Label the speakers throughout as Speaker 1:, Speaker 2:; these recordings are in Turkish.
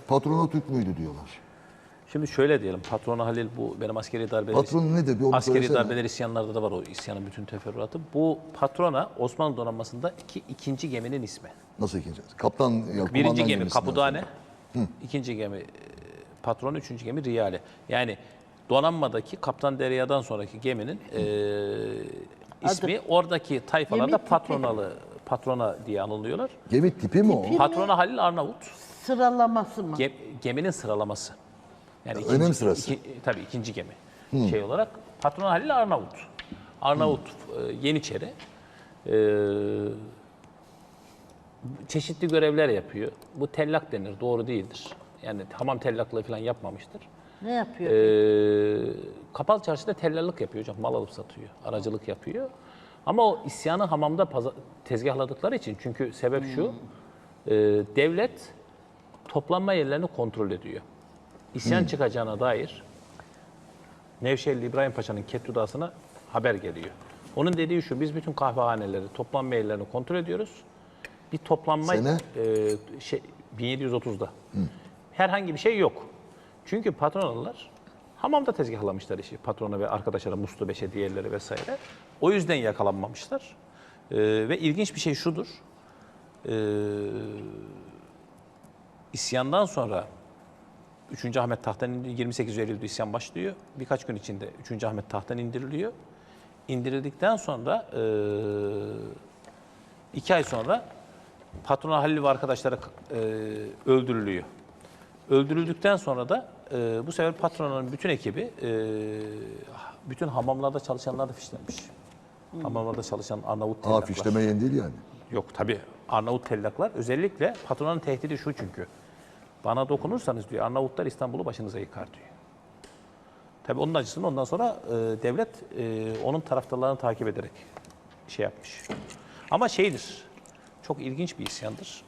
Speaker 1: Patrona Türk müydü diyorlar.
Speaker 2: Şimdi şöyle diyelim, patronu Halil bu benim askeri darbeler,
Speaker 1: Patron nedir? Bir onu
Speaker 2: askeri
Speaker 1: söylesene.
Speaker 2: darbeler isyanlarda da var o isyanın bütün teferruatı. Bu patrona Osmanlı donanmasında ikinci geminin ismi.
Speaker 1: Nasıl ikinci? Kaptan, ya, kumandan
Speaker 2: Birinci gemi
Speaker 1: gemisinden
Speaker 2: Kapudane,
Speaker 1: sonra.
Speaker 2: ikinci gemi patron, üçüncü gemi Riyale. Yani donanmadaki Kaptan Derya'dan sonraki geminin ismi oradaki tayfalarda
Speaker 3: Gemi tipi.
Speaker 2: patrona diye anılıyorlar.
Speaker 1: Gemi tipi mi o?
Speaker 3: Tipi.
Speaker 2: Patrona Halil Arnavut.
Speaker 3: Sıralaması mı?
Speaker 2: Geminin sıralaması. Yani
Speaker 1: Önem sırası.
Speaker 2: Tabii ikinci gemi. Şey olarak patron Halil Arnavut. Arnavut Yeniçeri. Çeşitli görevler yapıyor. Bu tellak denir, doğru değildir. Yani hamam tellaklığı falan yapmamıştır.
Speaker 3: Ne yapıyor?
Speaker 2: Kapalı çarşıda tellallık yapıyor hocam. Mal alıp satıyor, aracılık yapıyor. Ama o isyanı hamamda tezgahladıkları için, çünkü sebep şu, devlet toplanma yerlerini kontrol ediyor. İsyan çıkacağına dair Nevşehirli İbrahim Paşa'nın Kettudası'na haber geliyor. Onun dediği şu, biz bütün kahvehaneleri, toplanma yerlerini kontrol ediyoruz. Bir toplanma
Speaker 1: Sene?
Speaker 2: 1730'da. Herhangi bir şey yok. Çünkü patronalılar hamamda tezgahlamışlar işi. Patrona ve arkadaşları, Muslu Beş'e, diğerleri vesaire. O yüzden yakalanmamışlar. Ve ilginç bir şey şudur. İsyandan sonra 3. Ahmet tahttan indiriliyor. 28 Eylül'de isyan başlıyor. Birkaç gün içinde 3. Ahmet tahttan indiriliyor. İndirildikten sonra 2 ay sonra patrona Halil ve arkadaşları öldürülüyor. Öldürüldükten sonra da bu sefer patronun bütün ekibi bütün hamamlarda çalışanlar da fişlenmiş. Hamamlarda çalışan Arnavut tellaklar.
Speaker 1: Fişleme yeni değil yani.
Speaker 2: Yok tabii, Arnavut tellaklar. Özellikle patronun tehdidi şu çünkü. Bana dokunursanız diyor, Arnavutlar İstanbul'u başınıza yıkar diyor. Tabii onun acısını ondan sonra devlet onun taraftarlarını takip ederek şey yapmış. Ama şeydir, çok ilginç bir isyandır.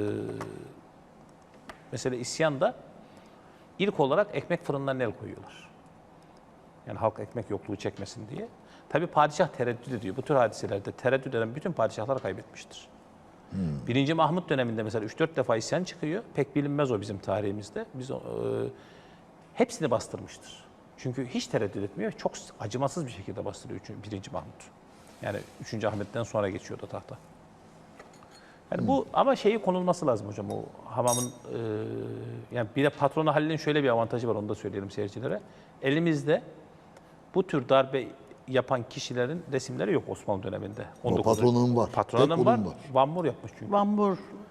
Speaker 2: Mesela isyanda ilk olarak ekmek fırınlarına el koyuyorlar. Yani halk ekmek yokluğu çekmesin diye. Tabii padişah tereddüt ediyor. Bu tür hadiselerde tereddüt eden bütün padişahlar kaybetmiştir. 1. Mahmut döneminde mesela 3-4 defa isyan çıkıyor. Pek bilinmez o bizim tarihimizde. Biz hepsini bastırmıştır. Çünkü hiç tereddüt etmiyor. Çok acımasız bir şekilde bastırıyor 1. Mahmut. Yani 3. Ahmet'ten sonra geçiyor da tahta. Yani bu ama şeyi konulması lazım hocam, o hamamın yani bir de patronu Halil'in şöyle bir avantajı var, onu da söyleyelim seyircilere. Elimizde bu tür darbe yapan kişilerin resimleri yok Osmanlı döneminde.
Speaker 1: Ama patronun var.
Speaker 2: Patronun
Speaker 1: Tek
Speaker 2: var.
Speaker 1: onun var.
Speaker 2: Van Moor yapmış çünkü.
Speaker 3: Van Bur